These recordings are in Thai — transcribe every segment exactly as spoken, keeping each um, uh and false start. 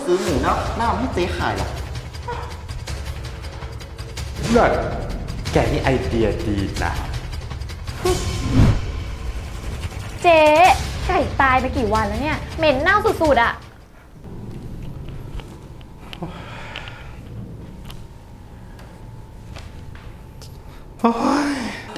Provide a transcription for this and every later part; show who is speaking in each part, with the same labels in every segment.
Speaker 1: ซื้อหมูเนาะน่าเอาให้เจ๊ขายหรอ
Speaker 2: เลิศแกนี่ไอเดียดีนะ
Speaker 3: เจ๊ไก่ตายไปกี่วันแล้วเนี่ยเหม็นเน่าสุดๆอ่ะ
Speaker 2: โอ้ย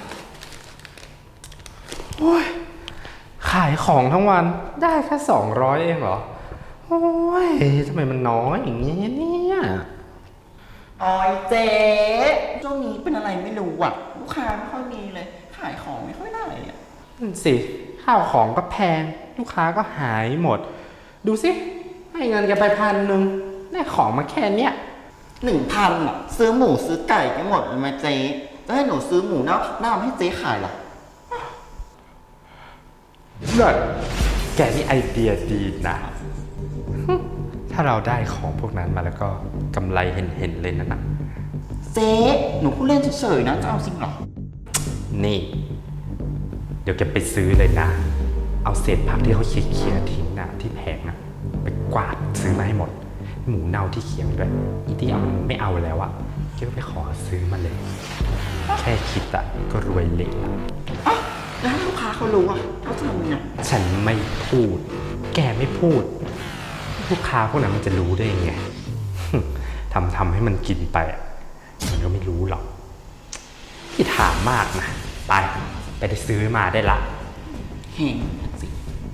Speaker 2: โอ้ยขายของทั้งวันได้แค่สองร้อยเองเหรอโอ้ยทำไมมันน้อยอย่างนี้เนี่ย
Speaker 1: ออยเจ๊ช่วงนี้เป็นอะไรไม่รู้อ่ะลูกค้าไม่ค่อยมีเลยขายของไม่ค่อยได้อ่ะ
Speaker 2: นั่นสิข้าวของก็แพงลูกค้าก็หายหมดดูสิให้เงินแกไปพันหนึ่งได้ของมาแค่เนี้ย
Speaker 1: หนึ่งพันอ่ะซื้อหมูซื้อไก่ไปหมดเลยไหมเจ๊จะให้หนูซื้อหมูเน่าน่าเอาให้เจ๊ขายหรอ
Speaker 2: เลิศแกนี่ไอเดียดีนะถ้าเราได้ของพวกนั้นมาแล้วก็กำไรเห็นๆเลยนะนะ
Speaker 1: เจ๊หนูพูดเล่นเฉยๆนะจะเอาจริงหรอ
Speaker 2: นี่เดี๋ยวแกไปซื้อเลยนะเอาเศษผักที่เขาเคี่ยๆทิ้งนะที่แผงนะไปกวาดซื้อมาให้หมดหมูเน่าที่เคี่ยด้วยอีที่เอามันไม่เอาแล้วอะแกก็ไปขอซื้อมาเลยแค่คิดอะก็รวยเละละ
Speaker 1: อ่ะแล้วลูกค้าเขารู้อะเขาจะทำยังไง
Speaker 2: ฉันไม่พูดแกไม่พูดลูกค้าพวกนั้นมันจะรู้ได้ยังไงทำทำให้มันกินไปมันก็ไม่รู้หรอกที่ถามมากนะไปไปได้ซื้อมาได้ละ
Speaker 1: เฮ้งสิ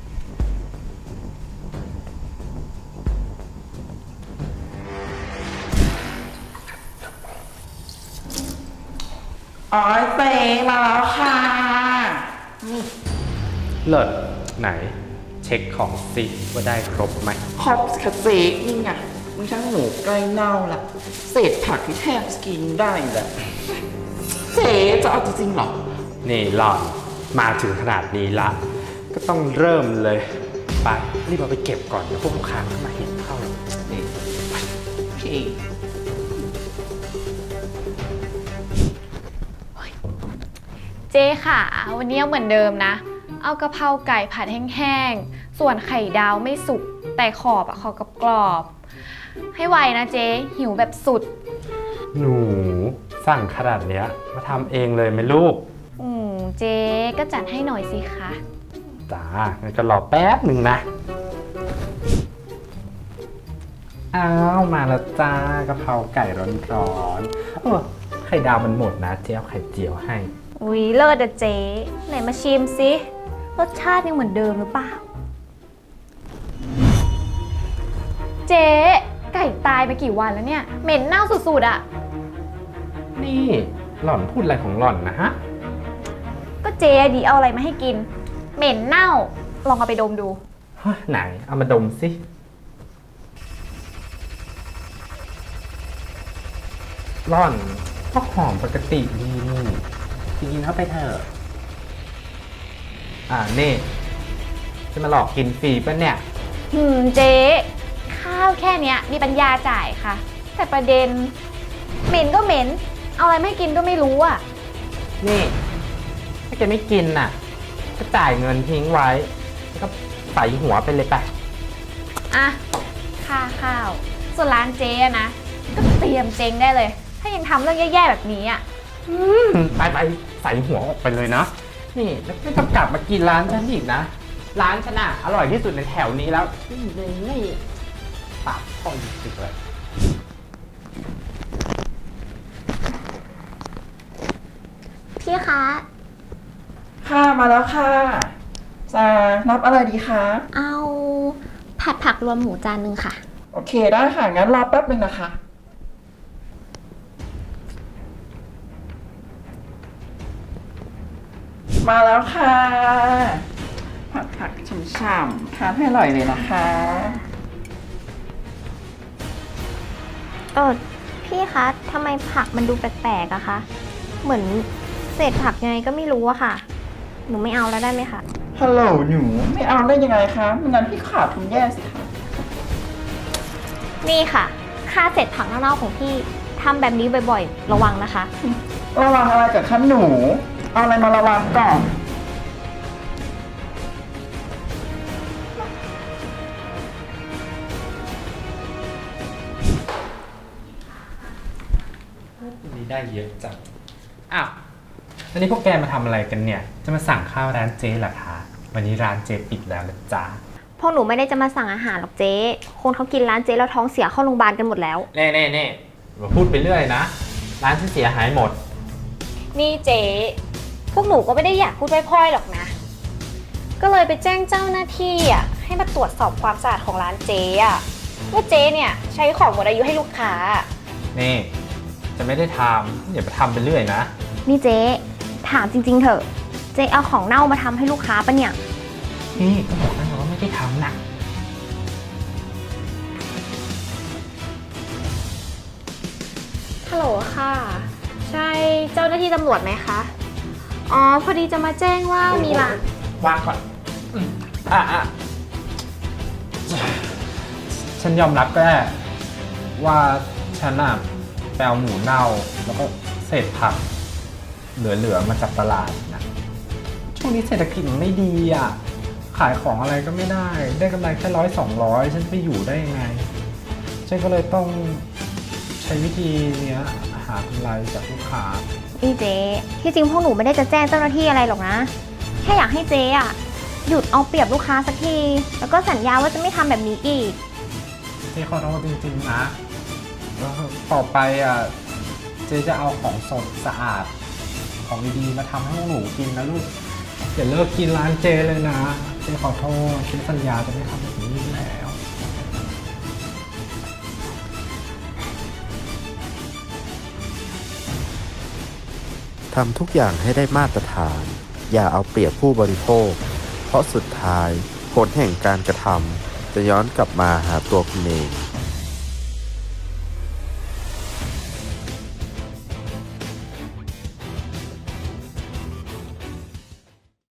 Speaker 1: อ๋อเจ๊มาแล้วค่ะนี่
Speaker 2: เลิศไหนเช็คของสิว่าได้ครบไหม
Speaker 1: ครบค่ะเจ๊นี่ไงมึงช่างหมูใกล้เน่าละเศษผักที่แทบกินได้แหละเจ๊จะเอาจริงๆหรอ
Speaker 2: นี่หล่อนมาถึงขนาดนี้ละก็ต้องเริ่มเลยไปรีบเอาไปเก็บก่อนเดี๋ยวพวกลูกค้ามาเห็นเข้านี่
Speaker 1: โอเค
Speaker 3: เจ๊ค่ะวันนี้เหมือนเดิมนะเอากะเพราไก่ผัดแห้งๆส่วนไข่ดาวไม่สุกแต่ขอบอะขอบกรอบให้ไวนะเจ๊หิวแบบสุด
Speaker 2: หนูสั่งขนาดเนี้ยมาทำเองเลยไหมลูก
Speaker 3: อืมเจ๊ก็จัดให้หน่อยสิคะ
Speaker 2: จ้างั้นก็รอแป๊บหนึ่งนะอ้าวมาแล้วจ้ากะเพราไก่ร้อนๆเออไข่ดาวมันหมดนะเจ๊เอาไข่เจียวให้
Speaker 3: อุ๊ยเลิศอะเจ๊ไหนมาชิมสิรสชาติยังเหมือนเดิมหรือเปล่าเจ๊ไก่ตายไปกี่วันแล้วเนี่ยเหม็นเน่าสุดๆอะ
Speaker 2: นี่หล่อนพูดอะไรของหล่อนนะฮะ
Speaker 3: ก็เจ๊ดีเอาอะไรมาให้กินเหม็นเน่าลองเอาไปดมดู
Speaker 2: ไหนเอามาดมสิหล่อนก็หอมปกติดีนี่กินเข้าไปเถอะอ่านี่จะมาหลอกกินฟรีป่ะเนี่ย
Speaker 3: หืมเจ๊ข้าวแค่เนี้ยมีปัญญาจ่ายค่ะแต่ประเด็นเหม็นก็เหม็นเอาอะไรไม่กินก็ไม่รู้อ่ะ
Speaker 2: นี่ถ้าแกไม่กินน่ะก็จ่ายเงินทิ้งไว้แล้วก็ใส่หัวไปเลยไป
Speaker 3: อ่ะค่าข้าวส่วนร้านเจ๊นะก็เตรียมเจ๊งได้เลยถ้ายังทำเรื่องแย่ๆแบบนี้อ่ะ
Speaker 2: ไปไปใส่หัวออกไปเลยนะนี่แล้วไม่ต้องกลับมากินร้านฉันอีกนะร้านฉันอ่ะอร่อยที่สุดในแถวนี้แล้วนี่ปากพ่อจริงๆเลย
Speaker 3: พี่คะ
Speaker 1: ค่ะมาแล้วค่ะจะรับอะไรดีคะ
Speaker 3: เอาผัดผักรวมหมูจานนึงค่ะ
Speaker 1: โอเคได้ค่ะงั้นรอแป๊บนึงนะคะมาแล้วค่ะผัดผักฉ่ำๆทานให้อร่อยเลยนะคะ
Speaker 3: เออพี่คะทำไมผักมันดูแปลกๆอะคะเหมือนเศษผักยังไงก็ไม่รู้อะค่ะหนูไม่เอาแล้วได้ไหมคะ
Speaker 1: ฮัลโหลหนูไม่เอาได้ยังไงคะไม่งั้นพี่ขาดทุนแย่สิคะ
Speaker 3: นี่ค่ะค่าเศษผักเน่าๆของพี่ทำแบบนี้บ่อยๆระวังนะคะ
Speaker 1: ระวังอะไรกับขั้นหนูเอาอะไรมาระวังก่อน
Speaker 2: วันนี้ได้เยอะจังอ้าววันนี้พวกแกมาทำอะไรกันเนี่ย จะมาสั่งข้าวร้านเจ๊เหรอคะวันนี้ร้านเจ๊ปิดแล้วนะจ๊ะ
Speaker 4: พวกหนูไม่ได้จะมาสั่งอาหารหรอกเจ๊คนเขากินร้านเจ๊แล้วท้องเสียเข้าโรงพยาบาลกันหมดแล้ว
Speaker 2: เน่เน่เน่มาพูดไปเรื่อยนะ ร้านที่เสียหายหมด
Speaker 3: นี่เจ๊พวกหนูก็ไม่ได้อยากพูดพร่อยๆหรอกนะ ก็เลยไปแจ้งเจ้าหน้าที่อ่ะให้มาตรวจสอบความสะอาดของร้านเจ๊อ่ะว่าเจ๊เนี่ยใช้ของหมดอายุให้ลูกค้า
Speaker 2: นี่ จะไม่ได้ทำอย่าไปทำไปเรื่อยนะ
Speaker 4: นี่เจ๊ถามจริงๆเถอะเจ๊เอาของเน่ามาทำให้ลูกค้าปะเนี่ย
Speaker 2: นี่ก็บอกแล้วไงว่าไม่ได้ทำนะ
Speaker 3: ฮัลโหลค่ะ ใช่เจ้าหน้าที่ตำรวจไหมคะ อ๋อ พอดีจะมาแจ้งว่ามีร้าน
Speaker 2: วางก่อนอืมอ่ะอ่ะฉันยอมรับก็ได้ว่าฉันน่ะไปเอาหมูเน่าแล้วก็เศษผัก เหลือๆมาจากตลาดนะ ช่วงนี้เศรษฐกิจมันไม่ดีอ่ะ ขายของอะไรก็ไม่ได้ ได้กำไรแค่ร้อยสองร้อยฉันจะไปอยู่ได้ยังไง ฉันก็เลยต้องใช้วิธีเนี้ยหากำไรจากลูกค้า
Speaker 4: นี่เจ๊ที่จริงพวกหนูไม่ได้จะแจ้งเจ้าหน้าที่อะไรหรอกนะ แค่อยากให้เจ๊อะหยุดเอาเปรียบลูกค้าสักที แล้วก็สัญญาว่าจะไม่ทำแบบนี้อีก
Speaker 2: เจ๊ขอโทษจริงๆนะแล้วต่อไปอ่ะเจ๊จะเอาของสดสะอาด ของดีๆมาทำให้พวกหนูกินนะลูกอย่าเลิกกินร้านเจ๊เลยนะ เจ๊ขอโทษเจ๊สัญญาจะไม่ทำแบบนี้อีกแล้ว
Speaker 5: ทำทุกอย่างให้ได้มาตรฐาน อย่าเอาเปรียบผู้บริโภค เพราะสุดท้ายผลแห่งการกระทำจะย้อนกลับมาหาตัวคุณเอง